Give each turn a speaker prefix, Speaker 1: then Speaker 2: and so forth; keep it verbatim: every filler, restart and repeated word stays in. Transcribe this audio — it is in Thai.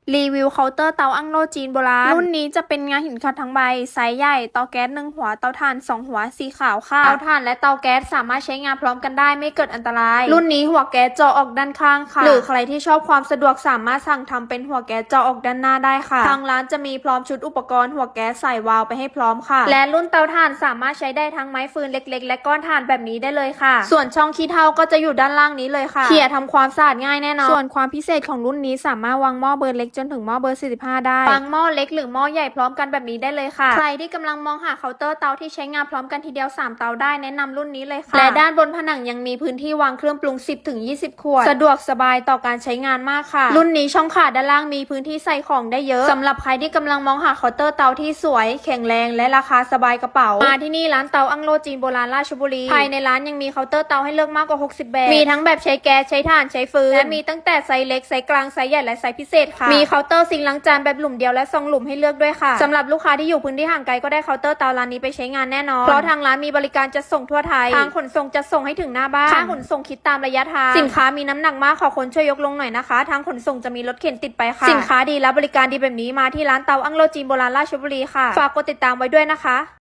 Speaker 1: รีวิวเคาน์เตอร์เตาอั้งโล่จีนโบราณรุ่นนี้จะเป็นงาหินขัดทั้งใบไซส์ใหญ่เตาแก๊สหนึ่งหัวเตาถ่านสองหัวสีขาวค่ะเตาถ่านและเตาแก๊สสามารถใช้งานพร้อมกันได้ไม่เกิดอันตรายรุ่นนี้หัวแก๊สเจาะออกด้านข้างค่ะหรือใครที่ชอบความสะดวกสามารถสั่งทำเป็นหัวแก๊สเจาะออกด้านหน้าได้ค่ะทางร้านจะมีพร้อมชุดอุปกรณ์หัวแก๊สใส่วาล์วไปให้พร้อมค่ะและรุ่นเตาถ่านสามารถใช้ได้ทั้งไม้ฟืนเล็กๆและก้อนถ่านแบบนี้ได้เลยค่ะส่วนช่องขี้เถ้าก็จะอยู่ด้านล่างนี้เลยค่ะเขี่ยทำความสะอาดง่ายแน่นอนส่วนความพิเศษของรุ่นนี้สามารถวางหม้อเบอร์เล็กจนถึงหม้อเบอร์สี่สิบห้าได้วางหม้อเล็กหรือหม้อใหญ่พร้อมกันแบบนี้ได้เลยค่ะใครที่กำลังมองหาเคาน์เตอร์เตาที่ใช้งานพร้อมกันทีเดียวสามเตาได้แนะนำรุ่นนี้เลยค่ะและด้านบนผนังยังมีพื้นที่วางเครื่องปรุง สิบถึงยี่สิบ ขวดสะดวกสบายต่อการใช้งานมากค่ะรุ่นนี้ช่องขาด้านล่างมีพื้นที่ใส่ของได้เยอะสำหรับใครที่กำลังมองหาเคาน์เตอร์เตาที่สวยแข็งแรงและราคาสบายกระเป๋ามาที่นี่ร้านเตาอั้งโล่จีนโบราณราชบุรีภายในร้านยังมีเคาน์เตอร์เตาให้เลือกมากกว่าหกสิบแบบมีทั้งแบบใช้แก๊สใช้ถ่านใช้ฟืนและมีตั้งแต่ไซส์เล็กไซส์กลางไซส์ใหญ่และไซส์พิเศษค่ะมีเคาน์เตอร์ซิงค์ล้างจานแบบหลุมเดียวและซองหลุมให้เลือกด้วยค่ะสำหรับลูกค้าที่อยู่พื้นที่ห่างไกลก็ได้เคาน์เตอร์เตาร้านนี้ไปใช้งานแน่นอนเพราะทางร้านมีบริการจัดส่งทั่วไทยทางขนส่งจะส่งให้ถึงหน้าบ้านค่าขนส่งคิดตามระยะทางสินค้ามีน้ำหนักมากขอคนช่วยยกลงหน่อยนะคะทางขนส่งจะมีรถเข็นติดไปค่ะสินค้าดีและบริการดีแบบนี้มาที่ร้านเตาอั้งโล่จีนโบราณราชบุรีค่ะฝากกดติดตามไว้ด้วยนะคะ